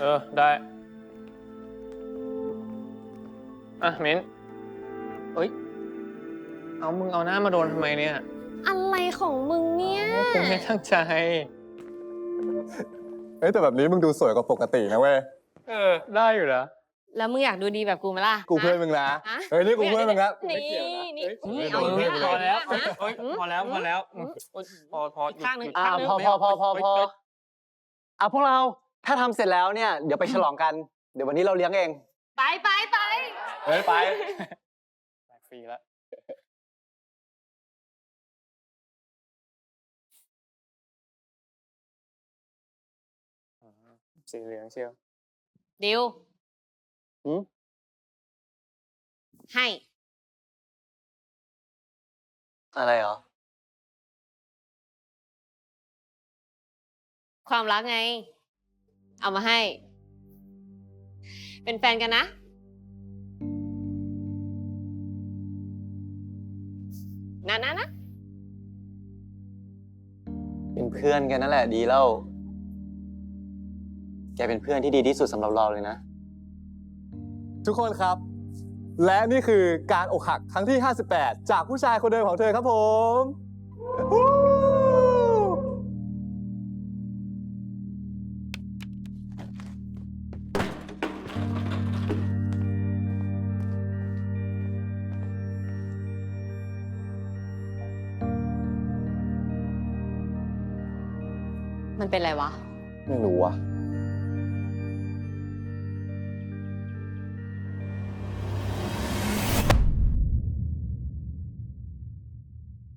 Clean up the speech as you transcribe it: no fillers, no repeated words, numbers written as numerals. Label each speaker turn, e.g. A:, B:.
A: ได้อ่ะมิ้นเอ้ยมึงเอาหน้ามาโดนทำไมเนี่ย
B: อะไรของมึงเนี่ย
A: กูไม่ตั้งใจ
C: เฮ้ยแต่แบบนี้มึงดูสวยกว่าปกตินะเว้ย
A: ได้อยู่นะ
B: แล้วมึงอยากดูดีแบบกูไหมล่ะ
C: กูเพื่อนมึงนะ
B: ฮะ
C: เฮ้ยนี่กูเพื่อนมึงนะ
B: นี่นี่
A: พ
B: เอาอย่างนี้
A: อแล้ว
B: ฮะ
A: พอแล้วพอแล้วพอ
B: อีกข้างหนึ่ง
A: หยุด
B: ข้างหนึ่ง
D: พอพวกเราถ้าทำเสร็จแล้วเนี่ยเดี๋ยวไปฉลองกัน เดี๋ยววันนี้เราเลี้ยงเอง
B: ไปไปไป
C: เฮ้ยไป
A: ฟรีแล้วสีเหลืองเชียว
B: ดิว
D: หืม
B: ให้
D: อะไรเหรอ
B: ความรักไง เอามาให้ เป็นแฟนกันนะนะ
D: เป็นเพื่อนกันนั่นแหละดีแล้ว แกเป็นเพื่อนที่ดีที่สุดสำหรับเราเลยนะ
C: ทุกคนครับ และนี่คือการอกหักครั้งที่ 58 จากผู้ชายคนเดิมของเธอครับผมวู้
B: มันเป็นไรวะ
C: ไม่รู้ว่ะ